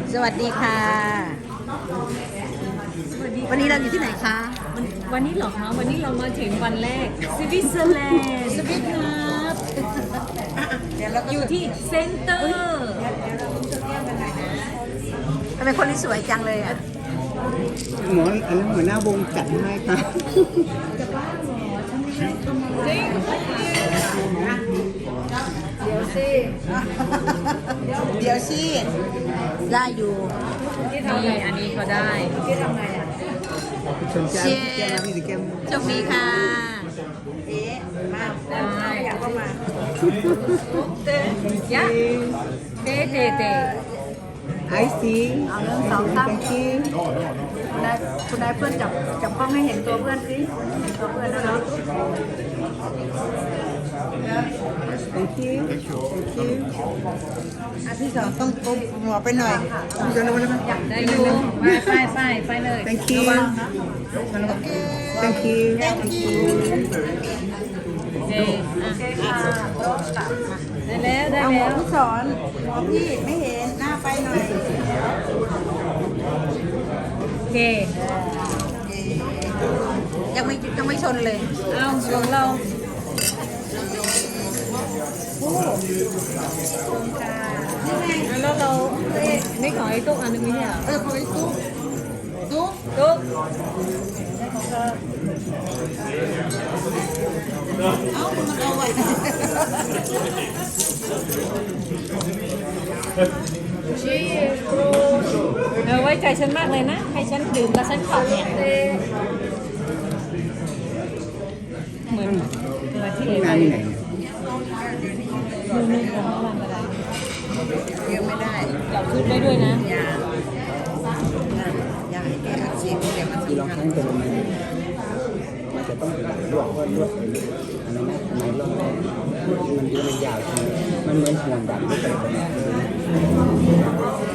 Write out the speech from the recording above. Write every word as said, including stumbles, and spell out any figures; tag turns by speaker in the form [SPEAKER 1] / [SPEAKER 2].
[SPEAKER 1] สวัสดีค่ะ
[SPEAKER 2] สวัสดี
[SPEAKER 1] วันนี้เราอยู่ที่ไหนคะ
[SPEAKER 2] วันวันนี้เหรอคะวันนี้เรามาถึงวันแรกสวิตเซอร์แลนด์สวิตครับอยู่ที่เซ็นเตอร์
[SPEAKER 1] ทำไมคนนี้สวยจังเลยอ่ะ
[SPEAKER 3] หมออันนั้นหัวหน้าวงจัดให้ค่ะ
[SPEAKER 2] จริง
[SPEAKER 1] เดี๋ยวสิ เดี๋ยวสิ ได้อยู่
[SPEAKER 2] นี่อันนี้เขาได้
[SPEAKER 3] สนใจแก้มพี่สิแก้ม
[SPEAKER 1] โชคดีค่ะเอ๊ะมา
[SPEAKER 2] ได้
[SPEAKER 1] อยากเข้ามา
[SPEAKER 2] ยะเตเตเต
[SPEAKER 3] ไอซี
[SPEAKER 1] เอาเรื่องสองตั้ง
[SPEAKER 3] thank you
[SPEAKER 1] คุณได้คุณได้เพื่อนจับจับกล้องให้เห็นตัวเพื่อนสิเห็นตัวเพื่อนแล้วเนาะ
[SPEAKER 3] thank you thank you
[SPEAKER 1] อ่ะพี่สองต้องก้มหัวไปหน่อย
[SPEAKER 3] พี่จะรู้ไหม
[SPEAKER 2] ได้อยู่มาไปไปไปเลย
[SPEAKER 3] thank you thank you thank you
[SPEAKER 2] เจอ่ะได้แล้วได้
[SPEAKER 1] เอาหั
[SPEAKER 2] แล้ว ว
[SPEAKER 1] พี่สอนหัวพี่ไม่เห็นหน้าไปหน่อย
[SPEAKER 2] โอเค
[SPEAKER 1] ยังไม่ยังไม่ชนเลย
[SPEAKER 2] เอาของเราแล้วเราเอ๊ะนี่ของไอ้ตุ๊กอันนึงไม่ใช่เหรอ
[SPEAKER 1] เออพอไอ้ตุ๊กตุ๊ก
[SPEAKER 2] ตุ๊ก
[SPEAKER 1] เอ้ามันเอาไว้
[SPEAKER 2] ชีโรเออไว้ใจฉันมากเลยนะ ให้ฉันดื่มแล้วฉันขับเนี่ยเหมือนเหมือนที่เอ๋
[SPEAKER 3] งาน
[SPEAKER 2] ไป
[SPEAKER 3] ที่ไหน
[SPEAKER 2] นู่นนู่นของร้านอะไร
[SPEAKER 1] เยอะไม่ได้
[SPEAKER 2] จับชุดได้ด้วยนะ
[SPEAKER 1] อย่าอย่าให้แกอักเสบเดี๋ยวมัน
[SPEAKER 3] คือลอง
[SPEAKER 1] สำคั
[SPEAKER 3] ทั้
[SPEAKER 1] ญ
[SPEAKER 3] งตัวมันมันจะต้องเป็นลวกว่าลวกอันนั้นนะทำไมลวกมันดูมันยาวใช่ไหมมันเหมือนห่วงดำไม่เป็น